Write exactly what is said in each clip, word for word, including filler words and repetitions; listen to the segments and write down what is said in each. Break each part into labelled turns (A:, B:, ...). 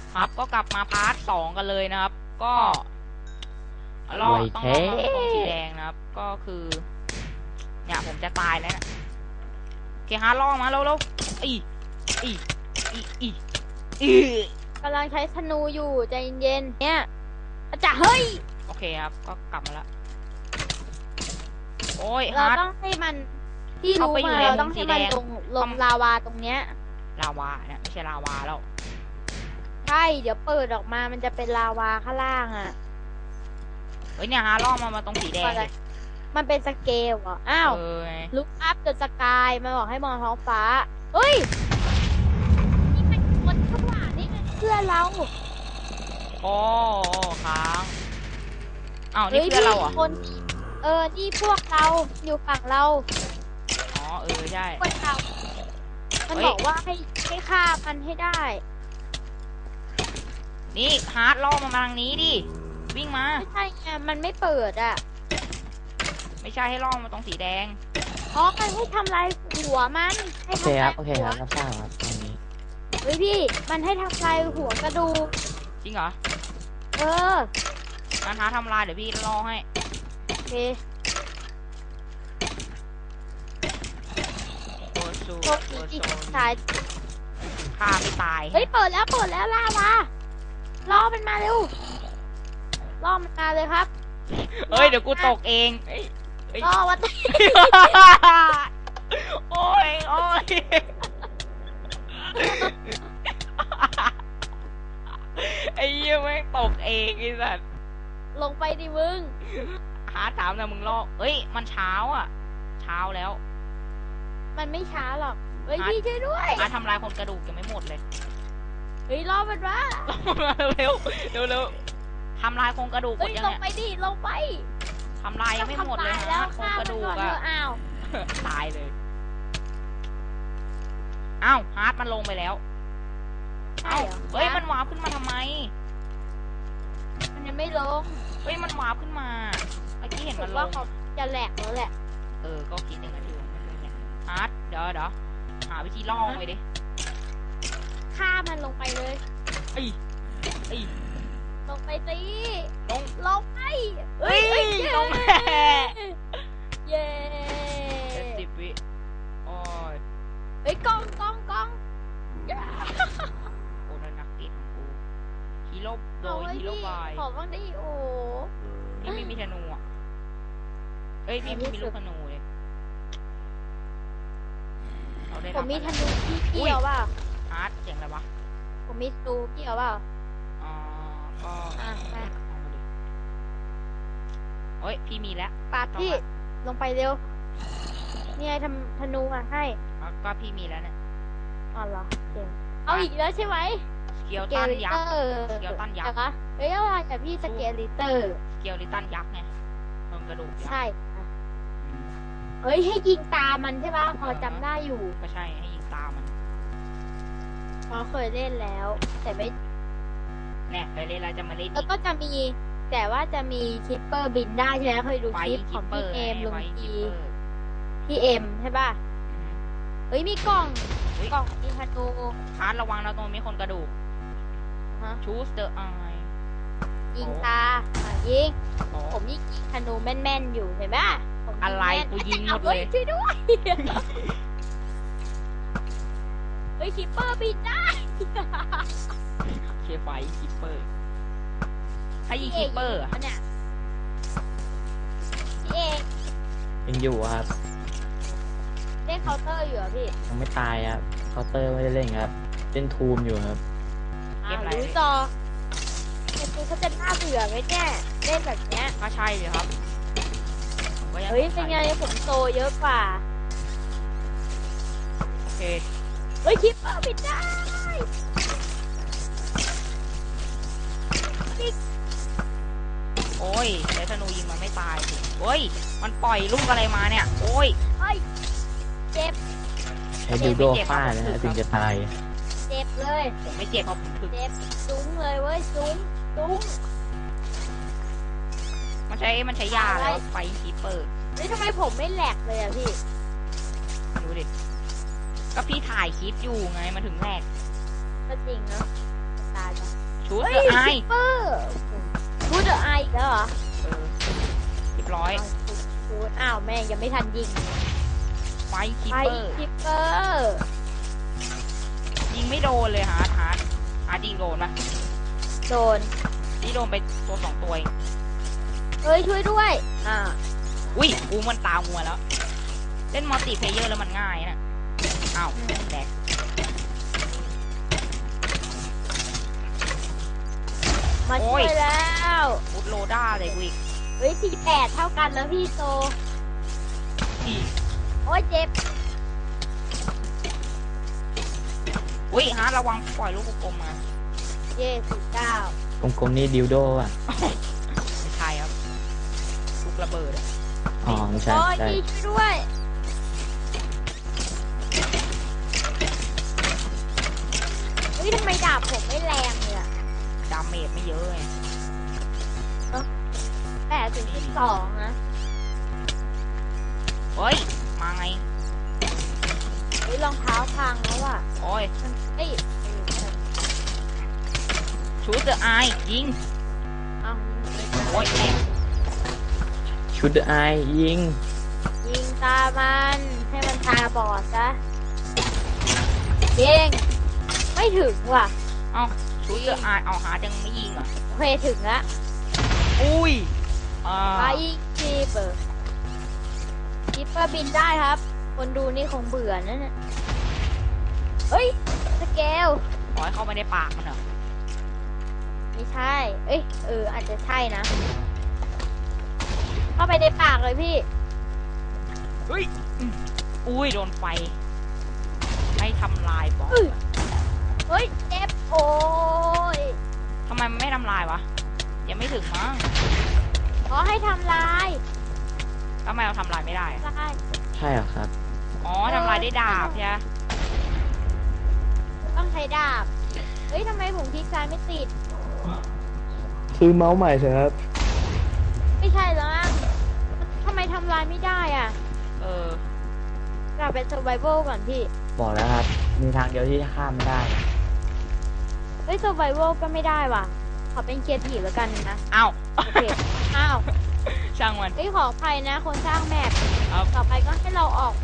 A: ครับก็กลับมาพาร์ทสองกันเลยนะครับ ก็รอบต้องรอตรงสีแดงนะครับ ก็คือเนี่ยผมจะตายแล้วนะโอเคฮะล่อมาแล้วแล้วอีอีอีอีอี
B: กำลังใช้ธนูอยู่ใจเย็นๆเนี่ยอาจารย์เฮ้ย
A: โอเคครับก็กลับมาแล้วโอ้ย
B: เราต้องให้มันที่รู้มาเราต้องให้มันลงลงลาวาตรงเนี้ย
A: ลาวาเนี่ยไม่ใช่ลาวาแล้ว
B: ใช่เดี๋ยวเปิดออกมามันจะเป็นลาวาข้างล่างอ่ะ
A: เฮ้ยเนี่ยฮะล่อมามาตรงสีแดง
B: มันเป็นสเกลเหรออ้าวลุกอัพเดอะสกายมันบอกให้มองท้องฟ้าเฮ้ยนี่มันคนข้างหลังนี่มันเพื่อนเรา
A: โอ้ค้างอ้าวนี่เพื่อนเราอ่ะ
B: คนเออนี่พวกเราอยู่ฝั่งเรา
A: อ๋อเออใช่
B: พวกเรามันบอกว่าให้ให้ฆ่ามันให้ได้
A: นี่ฮาร์ดล่อมาทางนี้ดิวิ่งมา
B: ไม่ใช่ไงมันไม่เปิดอ่ะ
A: ไม่ใช่ให้ล่อมาตรงสีแดง
B: อ๋อมันให้ทำลายหัวมันให้
C: ทำลายหัวโอเคครับโอเคครับรับทราบครับตรงนี้
B: เฮ้ยพี่มันให้ทำลายหัวกระดูก
A: จริงเหรอ
B: เออ
A: การท้าทำลายเดี๋ยวพี่ล่อให้
B: โอเค
A: โอ้สู
B: โชคดีตาย
A: ฆ่าไม่ตาย
B: เฮ้ยเปิดแล้วเปิดแล้วล่าวาล่อมันมาเร็วล่อมันมาเลยครับ
A: เฮ้ยเดี๋ยวกูตกเอง
B: ล่อวัด
A: โอ้ยโอ้ยไอ้เหี้ยแม่งตกเองไอ้สัส
B: ลงไปดิมึง
A: หาถามนะมึงล่อเฮ้ยมันเช้าอ่ะเช้าแล้ว
B: มันไม่ช้าหรอกเฮ้ยพี่ช่วยด้วย
A: หาทำลายคนกระดูกยังไม่หมดเลย
B: เฮ้ยล่อมันมา
A: เร็วเร็วเร็วทำลายโครงกระดูกหมดยัง
B: เนี่ยลงไปดิลงไป
A: ทำลายยังไม่หมดเลยฮะโครงกระดูกอะ
B: อ้าว
A: ตายเลยอ้าวฮาร์ดมันลงไปแล้วอ้าวเฮ้ยมันวาร์ปขึ้นมาทำไม
B: มันยังไม่ลง
A: เฮ้ยมันวาร์ปขึ้นมาเมื่อกี้เห็นมันลง
B: ว่าเขาจะแหลกแล้วแหละ
A: เออก็คิดอย่างนั้นอยู่ฮาร์ดเดี๋ยวเดี๋ยวหาวิธีล่อไปดิ
B: ฆ่ามันลงไปเลย
A: ไอ้ไอ้
B: ลงไปสิ
A: ลง
B: ลงไป
A: เฮ้ยลงแม่
B: เย้
A: เจ็ดสิบวิโอ้ย
B: เฮ้ยกองกองกอง
A: โอ้ยนักตีของกูฮีโร่โดยฮีโร่บาย
B: ขอบ้างดิโอ้
A: นี่ไม่มีธนูอ่ะเอ้ยพี่มีลูกธนูเลย
B: ผมมีธนูพี่เกี่ยวเปล่า
A: อาร์ตเจ๋งอะไรวะ
B: ผมมีธนูเกี่ยวเปล่า
A: อ๋อก็
B: อ่ะไป
A: เฮ้ยพี่มีแล้ว
B: ปาดพี่ลงไปเร็วนี่ไงทำธนูมาให้
A: ก็พี่มีแล้วเนี่ย
B: อ๋อเหรอเก่งเอาอีกแล้วใช่ไหม
A: สเกลตันยักษ์สเกลตันยักษ์
B: เฮ้ยอะไรแต่พี่สเกลลิเตอร์
A: สเกลลิตันยักษ์ไงมันกระดูก
B: ใช่เฮ้ยให้ยิงตามันใช่ป่ะพอจำได้อยู่
A: ก็ใช่ให้ยิงตามัน
B: พอเคยเล่นแล้วแต่ไม่
A: แน่เคยเล่นแล้วจะมาเล่น
B: แล้วก็จะมีแต่ว่าจะมีคิปเปอร์บินได้ใช่ไหมเคยดูคลิปของพี่เอมลงทีพี่เอ็มใช่ป่ะเฮ้ยมีกล่องกล่องมีธนู
A: ฮาร์ดระวังนะตรงมีคนกระดูกชูสเตอร์ไอ
B: ยิงตายิงผมยิงธนูแม่นๆอยู่เห็นป่ะ
A: อะไรกูยิงหมดเลย
B: ช่วยด้วยเฮ้ยคิปเปอร์บินได้
A: เคไฟคิปเปอร์ให้ยิงคิปเปอร์อ่ะ
B: เนี่ยพี่เอก
C: ยังอยู่ครับ
B: เล่นเคาน์เตอร์อยู่อ่ะพี่
C: ยังไม่ตายครับเคาน์เตอร์ไม่ได้เล่นครับเล่นทูมอยู่ครับ
B: อ่ารู้จอเกมนี้เขาจะน่าเบื่อไหมเนี่ยเล่นแบบเนี้ย
A: ก็ใช่เลยครับ
B: เฮ้ยเป็นไงผมโตเยอะกว่า
A: โอเค
B: เฮ้ยคิปเปอร์บินได้
A: โอ้ยใช้ธนูยิงมันไม่ตายสิโอ้ยมันปล่อยลูกอะไรมาเนี่ยโอ้ย
B: เฮ้ยเจ็บ
C: ใช้ดิวโดฟาดนะถึงจะตาย
B: เจ็บเลย
A: ผมไม่เจ็บเพราะผมถึก
B: เจ็บซุ้งเลยเว้ยซุ้งซุ้ง
A: มันใช้มันใช้ยาแล้วไฟคีเปอร์
B: เฮ้ยทำไมผมไม่แหลกเลยอ่ะพี่
A: ดูดิก็พี่ถ่ายคลิปอยู่ไงมันถึงแหลก
B: ก็จริงเนาะตายจ้ะ
A: ด
B: เฮ้ย
A: เดอะไอ
B: คิปเปอร์ชูดเดอะไออีกแล้วเหรอ
A: เออเรียบร้อย
B: ชูดอ้าวแม่งยังไม่ทันยิง
A: ไฟคิป
B: ไป
A: เปอร์
B: คิปเปอร์
A: ยิงไม่โดนเลยฮาร์ดฮาร์ดฮาร์ดยิงโดนปะ
B: โดน
A: นี่โดนไปตัวสองตัวเอง
B: เฮ้ยช่วยด้วย อ่า
A: อุ้ยกูมันตามมัวแล้ว เล่นมัลติเพลเยอร์แล้วมันง่ายนะอ้าวแดก
B: มา
A: โอ้
B: ช่วย ยแล้ว
A: อุดโลด้าเลยกูอีก
B: เฮ้ยสี่แปดเท่ากันแล้วพี่โซ
A: อีก
B: โอ้ยเจ็บ
A: อุ้ยฮาร์ดระวังปล่อยลูกกลมๆมา
B: เย่สี่เก้าก
C: ลมๆนี่ดิวโดอ่ะ
A: ไม่ใช่ครับลูกระเบิดอะ
C: อ๋อไม่ใช่
B: โอ้ย
C: ใช่
B: พี่ช่วยด้วยเฮ้ยทำไมดาบผมไม่แรงเลยอะ
A: ดาเมจไม่เยอะไง
B: แปดถึงสิบสองนะ
A: เฮ้ยมาไง
B: เฮ้ยรองเท้าพังแล้วอ่ะ
A: โอ้ย
B: มันเอ้ยเออมัน
A: ชูดเดอะไอยิง
B: เอา
A: โอ้ยแม่ง
C: ชุดไอยิง
B: ยิงตามันให้มันตาบอดซะยิงไม่ถึงว่ะ
A: เอ้าชูดเดอะไอเอาฮาร์ดยังไม่ยิงเหรอ่ะ
B: โอเคถึงละ
A: อุ้ยอ่า
B: ไปคีเปอร์คีเปอร์บินได้ครับ คนดูนี่คงเบื่อนั่นน่ะเฮ้ยสเกล
A: ขอให้เข้าไปในปากมันเหรอ
B: ไม่ใช่ เอ้ยเอออาจจะใช่นะ เข้าไปในปากเลยพี่
A: เฮ้ยอืมอุ้ยโดนไฟให้ทำลายบอส
B: เอ้ย เฮ้ยเจ็บโอ้ย
A: ทำไมมันไม่ทำลายวะยังไม่ถึงมั้ง
B: ขอให้ทำลาย
A: ทำไมเราทำลายไม่ได้อะ
B: ลาย
C: ใช่เหรอครับ
A: อ๋อทำลายได้ดาบใช่ไหม
B: ต้องใช้ดาบ เฮ้ยทำไมผมคลิกซ้ายไม่ติด
C: ซื้อเมาส์ใหม่เถอะครับ
B: ไม่ใช่แล้วมั้งทำไมทำลายไม่ได้อ่ะ
A: เออก
B: ลับเป็น survival ก่อนพี่
C: บอกแล้วครับ มีทางเดียวที่จะข้ามไม่ได้
B: เฮ้ย survival ก็ไม่ได้ว่ะ ขอเป็นเคียร์ทีแล้วกันนะ
A: อ้าว
B: โอเค อ้าว
A: ช่างมัน
B: เฮ้ยขออภัยนะ คนสร้างแมป
A: ครับ
B: ต่อไปก็ให้เราออกไป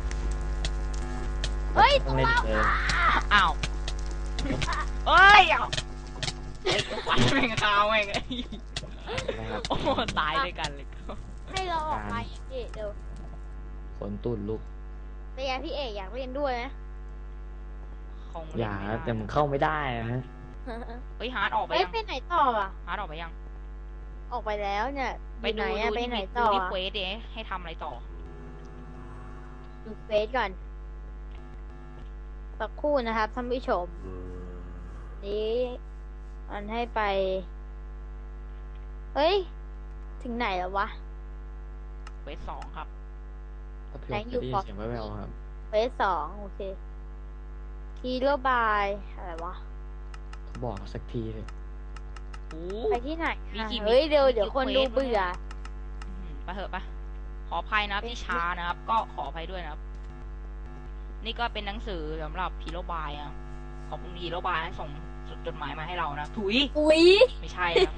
B: เฮ้ย
C: ต้
B: ตั
C: อง
B: ว
C: เล่น
B: เรา
C: เอง
A: อ้าวเอ้ยเอาเฮ้ยไฟแม่งคาวแม่งไอ้
C: นะครับ
A: โอ้ตายด้วยกันเลย
B: ให้เราออกไปพี่เดี๋ยว
C: ฝนตุ่นลูก
B: เป็นไงพี่เอกอยากเล่นด้วยไหม
A: คง
C: อย่า
A: เล่น
C: แต่
A: ไม่
C: มัน
A: ได้
C: เข้าไม่ได้นะฮะ
A: เฮ้ยฮาร์ดออกไป
B: เฮ้ย
A: ยัง
B: ไปไหนต่ออ่ะ
A: ฮาร์ดออกไปยัง
B: ออกไปแล้วเนี่ย
A: ไป
B: อยู่
A: ดู
B: ไหนอะ
A: ดู
B: ไป
A: ที่
B: ไหน
A: ดู
B: ต่อ
A: ที่
B: อะ
A: เควสเดให้ทำอะไรต่อ
B: ดูเฟซก่อน สักครู่นะครับท่านผู้ชม นี้มันให้ไป เฮ้ย ถึงไหนแล้ววะ
A: เควสสองครับ
C: ถ้าเพื่อนจะได้ยินเสียงแว่วๆครับ
B: เฟซสองโอเคทีโรบายอะไรวะ
C: เขาบอกสักทีเลย
A: โอ้
B: ไปที่ไหน
A: มี
B: อะ
A: กี่
B: เฮ้ย
A: มี
B: เดี๋ยว
A: มี
B: เดี๋ยว
A: กี่
B: คน
A: เควส
B: ดูเบื่อ
A: วะ อืมไปเถอะไปขออภัยนะครับที่ช้านะครับ ก็ขออภัยด้วยนะครับ นี่ก็เป็นหนังสือสำหรับฮีโร่บายนะครับขอบคุณฮีโร่บายส่งจดหมายมาให้เรานะถุย
B: อุ้ย
A: ไม่ใช่นะครับ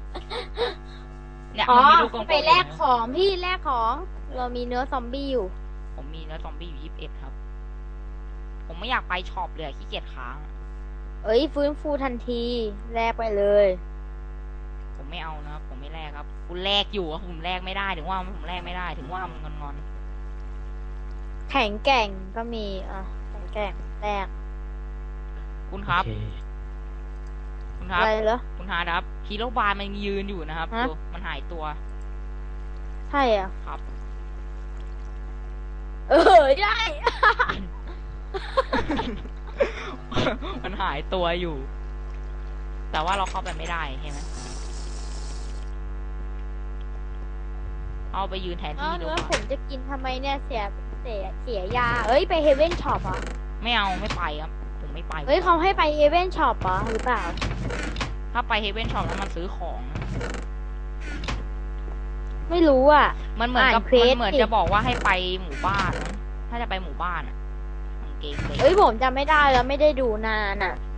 A: เนี่ย
B: อ๋อ
A: มันมีลูกกลมๆ
B: ไปแลก
A: อยู่นะ
B: ของพี่แลกของ เรามีเนื้อซอมบี้อยู่
A: ผมมีเนื้อซอมบี้อยู่ยี่สิบเอ็ดครับ ผมไม่อยากไปช็อปเลยอะขี้เกียจค้างอะ
B: เอ้ยฟื้นฟูทันทีแลกไปเลย
A: ผมไม่เอานะครับผมไม่แลกครับ คุณแลกอยู่อะผมแลกไม่ได้ถึงว่าผมแลกไม่ได้ ถึงว่ามันงอน
B: แข็งแกร่งก็มีอ่ะแข็งแกร่งแลก
A: ๆคุณครับ
C: โอเค
A: คุณค
B: อะ
A: รับ
B: ไรเหรอ
A: คุณฮาร์ดครับฮีโร่บายมันยืนอยู่นะครับ
B: ฮะ
A: ดูมันหายตัว
B: ใช่อ่ะ
A: ครับ
B: เออใช่
A: มันหายตัวอยู่ แต่ว่าเราเข้าไปไม่ได้ใช่ไหมเอาไปยืนแทน
B: อ้า
A: ที่
B: ว
A: ดีก
B: แล้ว
A: ว่า
B: ผมจะกินทำไมเนี่ยเสียเสียเสียยา เอ้ยไปเฮเว่นช็อปอ่ะ
A: ไม่เอาไม่ไปครับ ผมไม่ไป
B: เฮ้ยเขาให้ไปเฮเว่นช็อปอ่ะหรือเปล่า
A: ถ้าไปเฮเว่นช็อปแล้วมันซื้อของนะ
B: ไม่รู้อ่ะ
A: มันเหมือนกับ
B: อ่านเคว
A: มั
B: ส
A: นเหมือน
B: สิ
A: จะบอกว่าให้ไปหมู่บ้านนะถ้าจะไปหมู่บ้านอ่ะของเกมเลย
B: เอ้ยผมจำไม่ได้แล้วไม่ได้ดูนานอ่ะ